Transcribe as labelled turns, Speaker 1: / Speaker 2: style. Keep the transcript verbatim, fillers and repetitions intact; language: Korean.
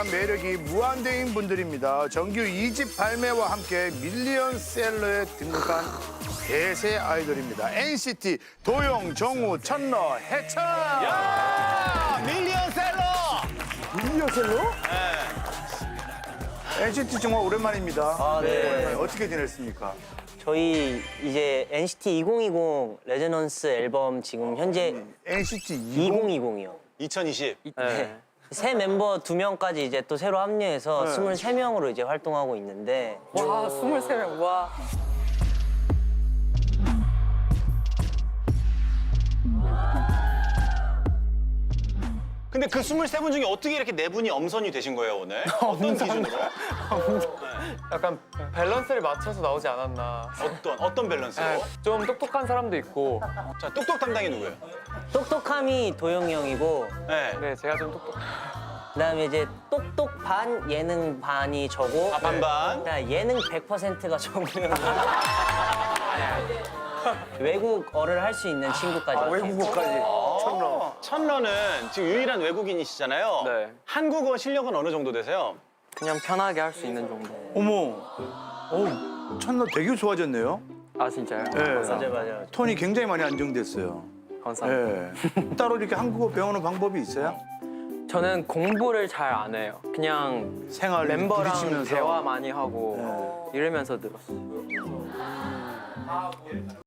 Speaker 1: 매력이 무한대인 분들입니다. 정규 이 집 발매와 함께 밀리언셀러에 등극한 대세 아이돌입니다. 엔시티 도영, 정우, 천러, 해찬.
Speaker 2: 야, 밀리언셀러.
Speaker 1: 밀리언셀러?
Speaker 2: 네.
Speaker 1: 엔시티 정말 오랜만입니다.
Speaker 3: 아, 네.
Speaker 1: 어떻게 지냈습니까?
Speaker 3: 저희 이제 엔시티 이천이십 레저넌스 앨범 지금 현재
Speaker 1: 엔시티
Speaker 3: 이천이십이요.
Speaker 2: 이천이십.
Speaker 3: 네. 새 멤버 두 명까지 이제 또 새로 합류해서
Speaker 1: 네.
Speaker 3: 스물세 명으로 이제 활동하고 있는데
Speaker 4: 와, 스물세 명, 와.
Speaker 2: 근데 그 스물세 분 중에 어떻게 이렇게 네 분이 엄선이 되신 거예요, 오늘? 어떤 기준으로?
Speaker 4: 약간 밸런스를 맞춰서 나오지 않았나.
Speaker 2: 어떤, 어떤 밸런스로?
Speaker 4: 네, 좀 똑똑한 사람도 있고,
Speaker 2: 자, 똑똑 담당이 누구예요?
Speaker 3: 똑똑함이 도영이 형이고
Speaker 2: 네.
Speaker 4: 네, 제가 좀 똑똑.
Speaker 3: 그다음에 이제 똑똑 반, 예능 반이 저고
Speaker 2: 아, 반반.
Speaker 3: 그다음에 예능 백 퍼센트가 정우 형이고 외국어를 할 수 있는 친구까지
Speaker 4: 아,
Speaker 3: 왔어요.
Speaker 4: 외국어까지.
Speaker 2: 천러. 천러는 지금 유일한 외국인이시잖아요.
Speaker 4: 네.
Speaker 2: 한국어 실력은 어느 정도 되세요?
Speaker 4: 그냥 편하게 할 수 있는 정도.
Speaker 1: 어머, 어, 천러 되게 좋아졌네요.
Speaker 4: 아, 진짜요?
Speaker 1: 네.
Speaker 3: 맞아요, 맞아요.
Speaker 1: 톤이 굉장히 많이 안정됐어요.
Speaker 4: 감사합니다.
Speaker 1: 네. 따로 이렇게 한국어 배우는 방법이 있어요?
Speaker 4: 저는 공부를 잘 안 해요. 그냥
Speaker 1: 생활
Speaker 4: 멤버랑
Speaker 1: 부딪히면서.
Speaker 4: 대화 많이 하고 이러면서 늘었어요.